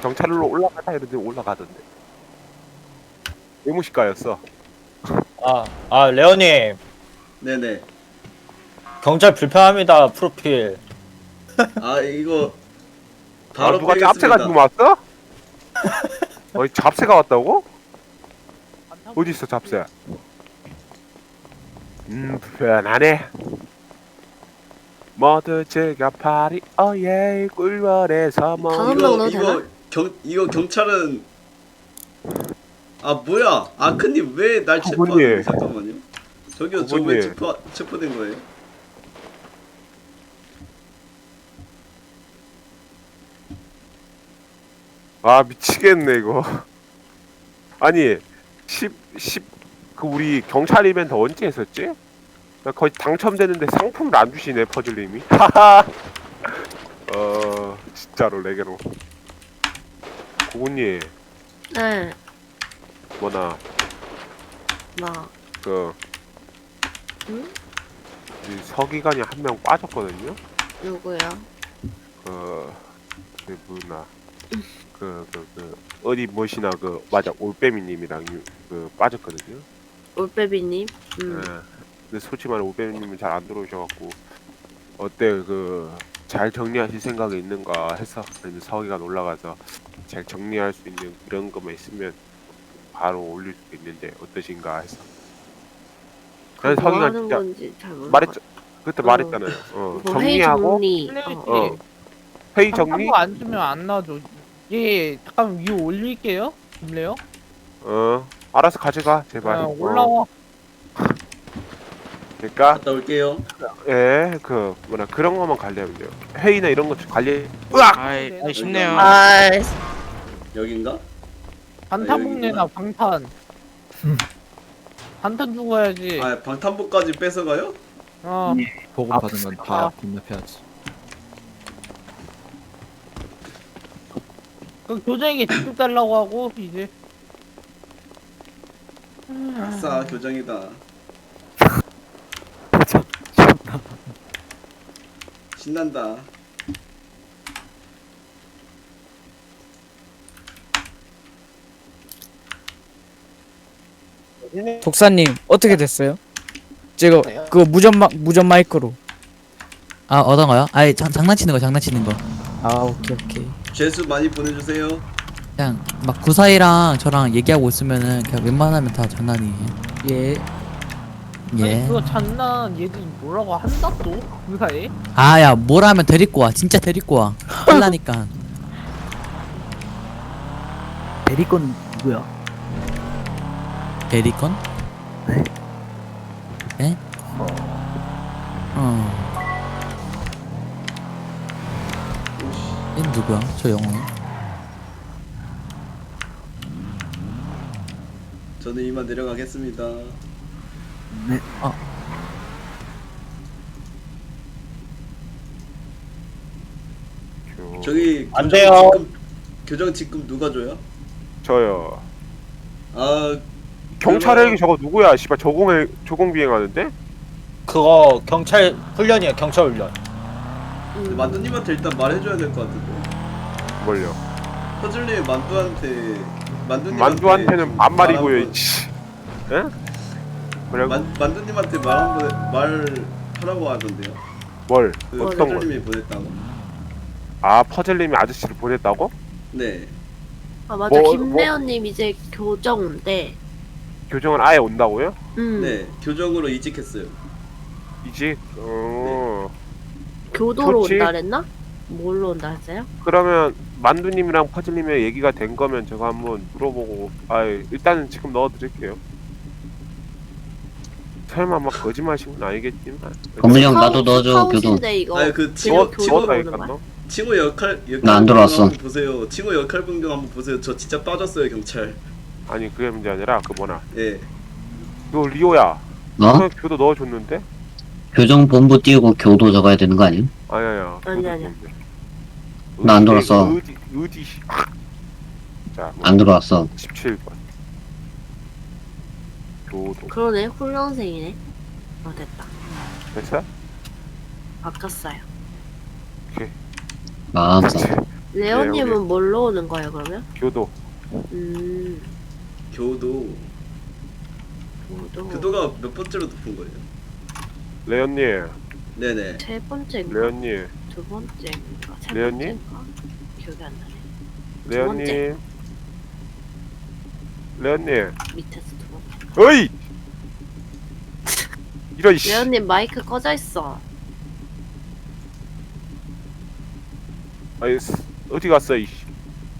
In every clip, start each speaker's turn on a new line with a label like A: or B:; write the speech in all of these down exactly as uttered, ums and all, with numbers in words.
A: 경찰로 올라가다 이러는데 올라가던데. 외무실가였어.
B: 아, 아, 레오님.
C: 네네.
B: 경찰 불편합니다, 프로필.
C: 아 이거
A: 아,
C: 바로
A: 누가
C: 빼겠습니다.
A: 짭새가 지금 왔어? 어이, 잡새가 왔다고? 어디 있어, 잡새? 음, 불편하네. 모두 즐겨 파리, 어예, 꿀벌에서 뭐.
D: 다음
C: 이거
D: 넣어도
C: 이거
D: 되나?
C: 경 이거 경찰은 아 뭐야? 아크님 왜 날
A: 그분이.
C: 체포하는 잠깐만요. 저기요 저 왜
A: 그분이.
C: 체포 체포된 거예요?
A: 아, 미치겠네, 이거. 아니, 십, 십, 그, 우리 경찰 이벤트 언제 했었지? 나 거의 당첨되는데 상품을 안 주시네, 퍼즐님이. 하하! 어, 진짜로, 레게로. 고군님,
D: 네.
A: 뭐나,
D: 뭐.
A: 그,
D: 응?
A: 이 서기관이 한 명 빠졌거든요?
D: 누구요?
A: 그, 그, 뭐나, 그, 그, 그, 어디 무엇이나 그, 맞아, 올빼미님이랑 유- 그, 빠졌거든요?
D: 올빼비님. 음.
A: 예. 근데 솔직히 말해 올빼미님은 잘 안 들어오셔갖고, 어때, 그, 잘 정리하실 생각이 있는가 해서, 아니면 서기관 올라가서 잘 정리할 수 있는 그런 것만 있으면 바로 올릴 수 있는데, 어떠신가 해서.
D: 그거
A: 그래서
D: 뭐
A: 서기관
D: 하는
A: 진짜
D: 건지 잘 몰라.
A: 말했, 그때
D: 어.
A: 말했잖아요. 어,
D: 뭐 회의
A: 정리하고,
D: 정리.
E: 플래시
D: 어.
A: 어, 회의 정리,
E: 상상도 안 주면 안 나와줘. 예, 잠깐 위로 올릴게요. 김래요?
A: 어, 알아서 가져가, 제발.
E: 아,
A: 어.
E: 올라와.
A: 그러니까,
C: 갔다 올게요.
A: 예, 그, 뭐냐, 그런 것만 관리하면 돼요. 회의나 이런 거 관리, 으악!
F: 아이, 아이 쉽네요.
D: 아,
C: 여긴가?
E: 방탄복 내놔, 방탄. 방탄 주고 가야지.
C: 아 방탄복까지 뺏어가요?
E: 어.
G: 보고받은 건 다 반납해야지.
E: 그 교장에게 직접 달라고 하고 이제.
C: 아싸 교정이다. 신난다.
H: 독사님 어떻게 됐어요? 지금 그 무전 마 무전 마이크로.
I: 아 어떤 거요? 아이 장, 장난치는 거 장난치는 거
H: 아 오케이 오케이.
C: 죄수 많이 보내주세요.
I: 그냥 막 구사이랑 저랑 얘기하고 있으면은 그냥 웬만하면 다 장난이에요.
H: 예.
E: 아니
I: 예.
E: 그거 장난 얘들이 뭐라고 한다 또? 그 사이에?
I: 아야 뭘 하면 데리고 와 진짜 데리고 와 혼나니까.
G: 대리건 누구야?
I: 대리건?
G: 네.
I: 예? 어. 얘 누구야? 저 영웅.
C: 저는 이만 내려가겠습니다.
G: 네.
A: 교-
C: 저기
B: 안
C: 교정
B: 돼요.
C: 직급 교정 직급 누가 줘요?
A: 저요.
C: 아
A: 경찰
C: 그러면-
A: 헬기 저거 누구야? 씨발 저공 저공 비행하는데?
B: 그거 경찰 훈련이에요, 경찰 훈련.
D: 음.
C: 만두님한테 일단 말해줘야 될 것 같은데.
A: 뭘요?
C: 퍼즐님 만두한테 만두님
A: 만두한테는 반말이고요. 이씨. 예? 뭐라고?
C: 만 만두님한테 말 한번 말하라고 하던데요.
A: 뭘?
C: 그
A: 어떤 걸?
C: 퍼즐님이 보냈다고.
A: 아 퍼즐님이 아저씨를 보냈다고?
C: 네.
D: 아 맞아.
A: 뭐-
D: 김래연님 이제 교정 온대.
A: 교정은 아예 온다고요?
D: 음.
C: 네. 교정으로 이직했어요.
A: 이직? 어.
D: 교도로
A: 좋지.
D: 온다 그랬나? 뭘로 온다 했어요?
A: 그러면 만두님이랑 퍼즐님의 얘기가 된 거면 제가 한번 물어보고 아 일단은 지금 넣어드릴게요. 설마 막 거짓말하신 건 아니겠지만.
J: 건물이 형 나도 넣어줘 교도.
D: 사우신데 이거.
C: 아니 그
D: 지금
C: 칭호
D: 교도로
C: 칭호
D: 오는
A: 넣었다니까
D: 거야?
A: 너?
C: 칭호 역할 역할
J: 나안
C: 변경
J: 들어왔어.
C: 한번 보세요. 칭호 역할 변경 한번 보세요. 저 진짜 빠졌어요 경찰.
A: 아니 그게 문제 아니라 그 뭐나
C: 예.
A: 너 리오야.
J: 어?
A: 너 교도 넣어줬는데?
J: 교정본부 띄우고 교도 적어야 되는 거 아니야?
A: 아니야.
D: 아니, 아니야.
J: 나안 들어왔어.
A: 의지 의지. 자, 뭐
J: 안 들어왔어.
A: 십칠 번. 교도.
D: 그러네. 훈련생이네. 아 됐다.
A: 됐어?
D: 바꿨어요.
J: 마음싸.
D: 레오님은
A: 우리-
D: 뭘로 오는 거예요 그러면?
A: 교도.
D: 음.
C: 교도.
D: 교도.
C: 교도가 몇 번째로 높은 거예요?
A: 레온님,
C: 네네.
D: 세 번째인가?
A: 레온님,
D: 두 번째인가? 세
A: 레오님?
D: 번째인가? 기억이 안 나네.
A: 레온님, 레온님.
D: 밑에서 두 번째.
A: 어이! 이런 씨.
D: 레오님 마이크 꺼져 있어.
A: 아이 스- 어디 갔어 이 씨.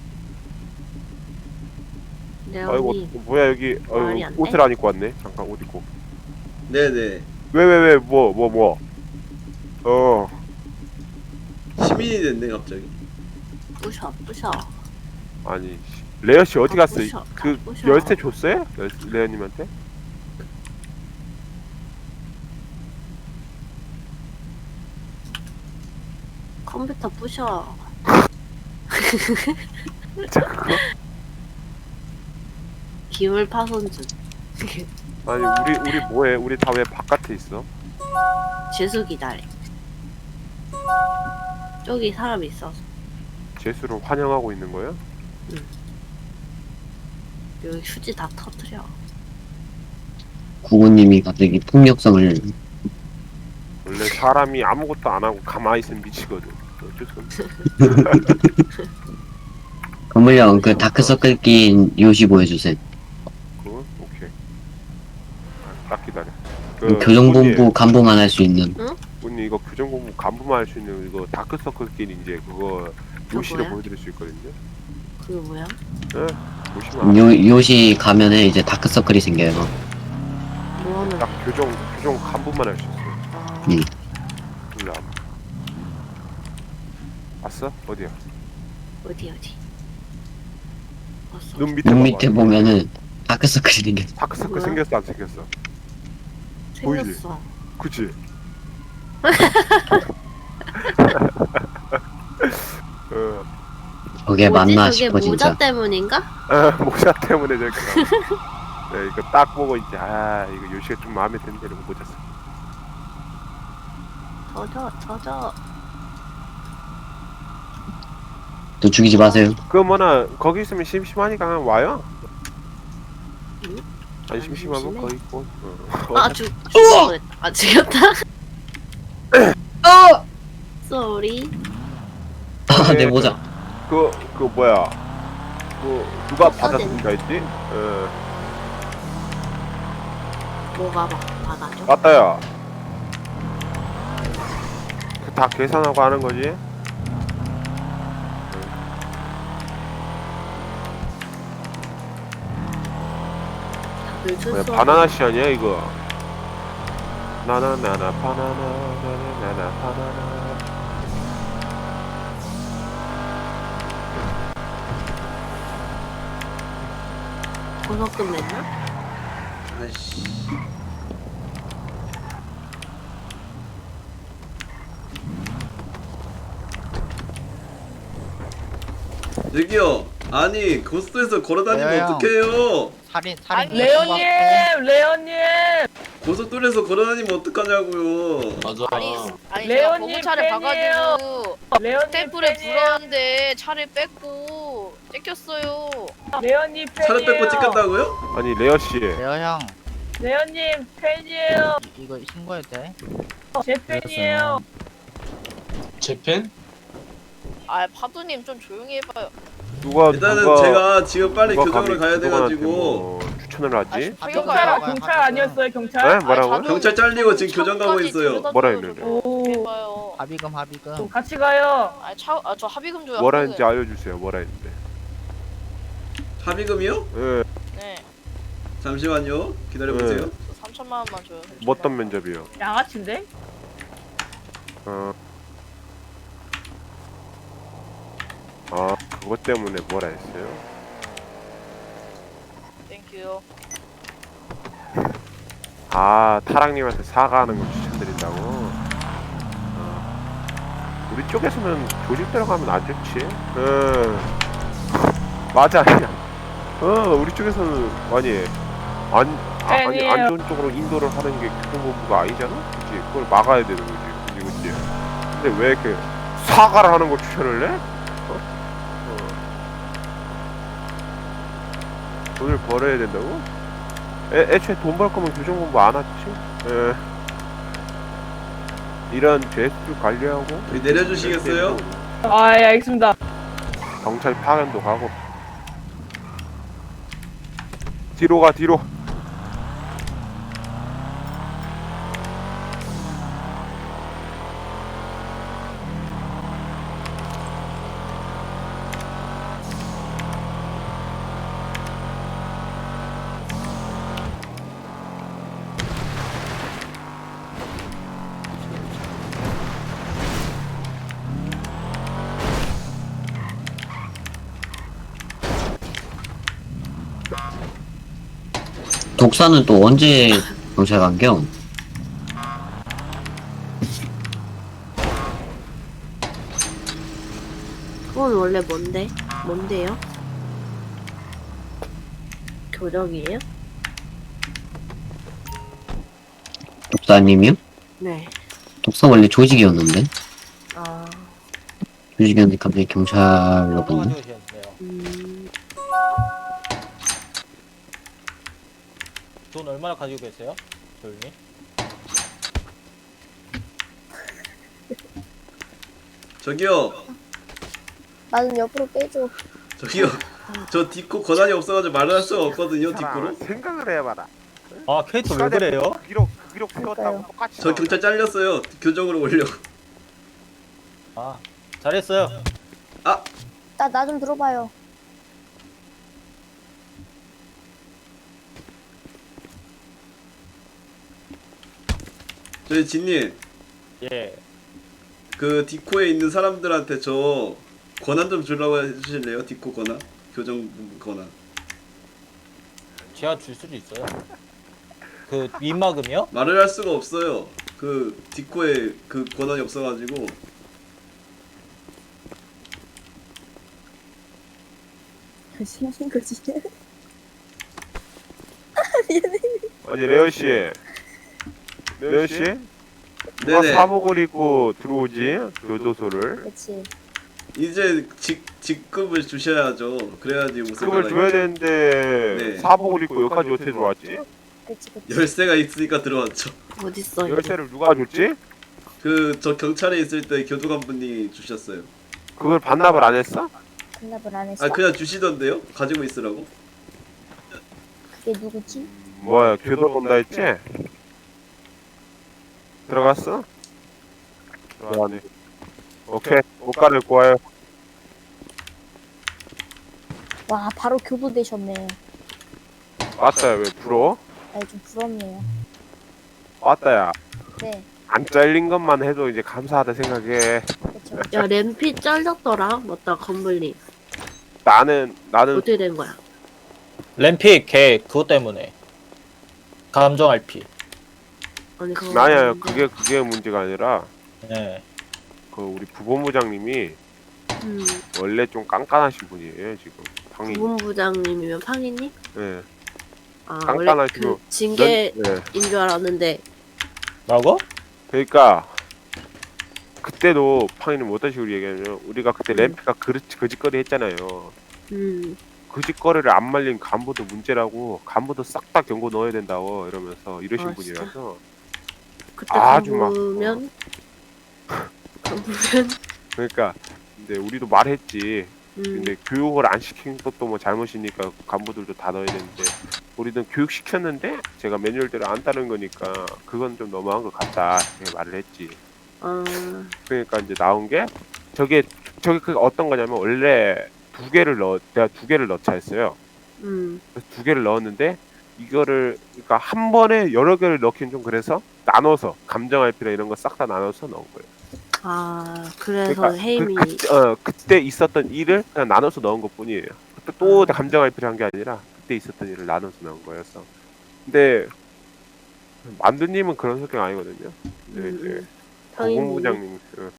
A: 아이고
D: 레오님
A: 뭐야 여기
D: 말이
A: 아이고,
D: 안 돼?
A: 옷을 안 입고 왔네. 잠깐 옷 입고.
C: 네네.
A: 왜 왜 왜 뭐 뭐 뭐. 어.
C: 시민이 됐네 갑자기.
D: 부셔 부셔.
A: 아니 씨. 레어 씨 어디
D: 아,
A: 갔어?
D: 부셔.
A: 그
D: 아, 부셔.
A: 열쇠 줬어요? 열- 레어님한테?
D: 컴퓨터 부셔.
A: 진짜 그거?
D: 기물 파손준.
A: 아니 우리 우리 뭐해? 우리 다 왜 바깥에 있어?
D: 재수 기다려. 저기 사람 있어서.
A: 제수를 환영하고 있는 거야?
D: 여기 휴지 다 터트려.
J: 구구님이 갑자기 폭력성을
A: 원래 사람이 아무것도 안 하고 가만히 있으면 미치거든. 어쩔 수 없어.
J: 건물형 그 다크서클 낀 요시 보여주세요.
A: 그거? 오케이. 아, 딱 기다려.
J: 그 교정본부 간부만 할 수 있는
A: 언니 이거 교정본부 간부만 할 수 있는 이거 다크서클끼리 이제 그거
D: 그거
A: 요시를
D: 뭐야?
A: 보여드릴 수 있거든요.
D: 그게 뭐야?
A: 예? 보시면
J: 요, 요시 가면은 이제 다크서클이 생겨요.
D: 뭐하는?
A: 딱 교정 교정 간부만 할 수 있어요.
D: 아,
J: 음.
A: 일로 와봐. 왔어? 어디야?
D: 어디 어디? 왔어.
A: 눈 밑에
J: 눈
A: 봐봐.
J: 밑에 보면은 다크서클이 생겨.
A: 다크서클
D: 뭐야?
A: 생겼어 안 생겼어? 보이지?
D: 생겼어.
A: 그치? 어,
J: 저게
D: 뭐지?
J: 맞나
D: 저게
J: 싶어
D: 모자
J: 진짜.
D: 때문인가?
A: 아, 모자 때문에 저렇게 나와. 네, 이거 딱 보고 이제 아 이거 요시가 좀 마음에 드는데 이러고 모자 써.
D: 젖어 젖어.
J: 또 죽이지 마세요.
A: 그 뭐나 거기 있으면 심심하니까 그냥 와요.
D: 응?
A: 아니
D: 안
A: 심심하면
D: 심심해?
A: 거기 있고. 어.
D: 아 죽. 죽었다. 아 죽였다.
J: 어!
D: 쏘리.
J: 아, 내
A: 네,
J: 모자.
A: 그, 그 뭐야 그 누가
D: 없어진-
A: 받았습니까 했지? 어
D: 뭐가 막 받아줘?
A: 맞다야 그 다 계산하고 하는 거지?
D: 다들
A: 뭐야
D: 출소.
A: 바나나 씨 아니야 이거 나나나나 바나나 나나나나 바나나
D: 보석금 냈나?
C: 아이씨. 저기요. 아니 고속도로에서 걸어다니면
B: 왜요?
C: 어떡해요?
B: 살인 살인.
E: 레오님, 레오님,
C: 고속도로에서 걸어다니면 어떡하냐고요.
F: 맞아.
K: 아니, 아니 제가
E: 레오님
K: 보고차를
E: 팬이에요.
K: 봐가지고
E: 레오님
K: 템플에
E: 팬이에요.
K: 불었는데 차를 뺏고 뺏겼어요.
E: 레오님 팬이에요.
C: 차를 뺏고 찍혔다고요?
A: 아니 레어씨
B: 레오 형
E: 레오님 팬이에요.
B: 이- 이거 신고해도 돼?
E: 제 팬이에요.
F: 재팬?
K: 아 파두님 좀 조용히 해봐요.
A: 누가
C: 일단은
A: 누가
C: 제가 지금 빨리
A: 누가
C: 교정을
A: 감히
C: 가야
A: 그동안한테
C: 돼가지고
A: 뭐 추천을 하지?
K: 아,
E: 경찰
K: 경찰
E: 경찰 아니었어요 경찰?
A: 네? 뭐라고요?
C: 경찰 잘리고 지금 교정 가고 있어요.
A: 뭐라 했는데?
E: 오.
K: 해봐요.
B: 합의금 합의금.
E: 같이 가요.
K: 아, 차, 아, 저 합의금 줘요.
A: 뭐라
K: 합의금.
A: 했는지 알려주세요 뭐라 했는데
C: 합의금이요?
A: 예
K: 네,
C: 잠시만요. 기다려보세요.
A: 네.
K: 저 삼천만 원만 줘요.
A: 뭐 어떤 면접이요?
E: 양아치인데?
A: 어. 아 그것 때문에 뭐라 했어요?
K: 땡큐요.
A: 아 타락님한테 사과하는 걸 추천드린다고? 어. 우리 쪽에서는 조직 들어가면 안 좋지? 응 맞아 아니야 어 우리 쪽에서는 아니 안, 아, 아니
E: 아니에요.
A: 안 좋은 쪽으로 인도를 하는 게 교통본부가 아니잖아? 그치? 그걸 막아야 되는 거지 그치 그치 근데 왜 이렇게 사과를 하는 걸 추천을 해? 어? 돈을 벌어야 된다고? 애, 애초에 돈 벌 거면 교정 공부 안 하지. 에. 이런 죄수 관리하고
C: 여기 내려주시겠어요?
E: 아, 예, 알겠습니다.
A: 경찰 파견도 가고. 뒤로 가 뒤로.
J: 독사는 또 언제 경찰 간겨?
D: 그건 원래 뭔데? 뭔데요? 교정이에요?
J: 독사님이요?
D: 네.
J: 독사 원래 조직이었는데
D: 아,
J: 조직이었는데 갑자기 경찰로
B: 얼마
J: 갔네.
B: 가지고 계셨네요.
D: 음,
B: 돈 얼마나 가지고 계세요? 조용히.
C: 저기요.
K: 나는 옆으로 빼줘.
C: 저기요. 저 디코 권한이 없어가지고 말을 할 수가 없거든요.
A: 사람아,
C: 디코로.
A: 생각을 해봐라.
B: 아 캐릭터 왜 그래요?
A: 그 기록 그 기록 세웠다고 똑같이.
C: 저 경찰 잘렸어요. 교정으로 오려고.
B: 아 잘했어요.
K: 나 나 좀 들어봐요.
C: 저희 진님,
B: 예.
C: 그 디코에 있는 사람들한테 저 권한 좀 주려고 해주실래요? 디코 권한? 교정 권한.
B: 제가 줄 수도 있어요. 그 윗마금이요?
C: 말을 할 수가 없어요. 그 디코에 그 권한이 없어가지고.
K: 무슨 거지?
A: 아니 레오 씨, 레오 씨, 누가
C: 네네.
A: 사복을 입고 들어오지 교도소를?
K: 그렇지.
C: 이제 직 직급을 주셔야죠. 그래야지 웃을
A: 그걸
C: 거다.
A: 줘야 되는데
C: 네.
A: 사복을 입고 여기까지 어떻게 들어왔지?
K: 그렇지. 그렇지.
C: 열쇠가 있으니까 들어왔죠.
D: 어딨어, 이게?
A: 열쇠를 누가 줬지?
C: 그 저 경찰에 있을 때 교도관분이 주셨어요.
A: 그걸 반납을 안 했어?
K: 반납을 안 했어?
C: 아 그냥 주시던데요? 가지고 있으라고?
K: 그게 누구지?
A: 뭐야 교도 본다 했지? 들어갔어? 들어갔네. 오케이 옷 갈아입고 와요.
K: 와 바로 교도 되셨네.
A: 왔다야 왜 불어?
K: 아 좀 부럽네요.
A: 왔다야
K: 네.
A: 안 잘린 것만 해도 이제 감사하다 생각해.
K: 그렇죠.
D: 야, 램피 잘렸더라? 맞다, 건블리.
A: 나는 나는
D: 어떻게 된 거야?
B: 램픽 걔 그것 때문에 감정 알피.
D: 아니, 그거.
A: 아니야
D: 뭔데?
A: 그게 그게 문제가 아니라
B: 네.
A: 그 우리 부본부장님이
D: 음,
A: 원래 좀 깐깐하신 분이에요 지금 방이.
D: 부본부장님이면 팡이님?
A: 예.
D: 아, 원래
A: 깐깐하시고
D: 그 징계인
A: 네.
D: 줄 알았는데.
B: 뭐라고?
A: 그러니까 그때도 팡이는 어떤 식으로 얘기하냐면 우리가 그때 램피가 그릇 거짓거리 했잖아요.
D: 음,
A: 거짓거리를 안 말린 간부도 문제라고 간부도 싹 다 경고 넣어야 된다고 이러면서 이러신
D: 아, 진짜?
A: 분이라서
D: 그때
A: 아주 막,
D: 간부면? 간부면?
A: 그러니까 근데 우리도 말했지.
D: 음,
A: 근데 교육을 안 시킨 것도 뭐 잘못이니까 간부들도 다 넣어야 되는데 우리는 교육 시켰는데 제가 매뉴얼대로 안 따른 거니까 그건 좀 너무한 것 같다 이렇게 말을 했지.
D: 아,
A: 그러니까 이제 나온 게 저게 저게 그 어떤 거냐면 원래 두 개를 넣 내가 두 개를 넣자 했어요.
D: 음,
A: 그래서 두 개를 넣었는데 이거를 그러니까 한 번에 여러 개를 넣긴 좀 그래서 나눠서 감정 알피나 이런 거 싹 다 나눠서 넣은 거예요.
D: 아, 그래서
A: 그러니까
D: 헤임이.
A: 그, 그, 어, 그때 있었던 일을 그냥 나눠서 넣은 것 뿐이에요. 그때 또 감정 알피를 한 게 아니라 그때 있었던 일을 나눠서 넣은 거였어. 근데 만두님은 그런 성격 아니거든요. 근데
D: 음,
A: 이제
D: 음. 팡이님.
A: 고공부장님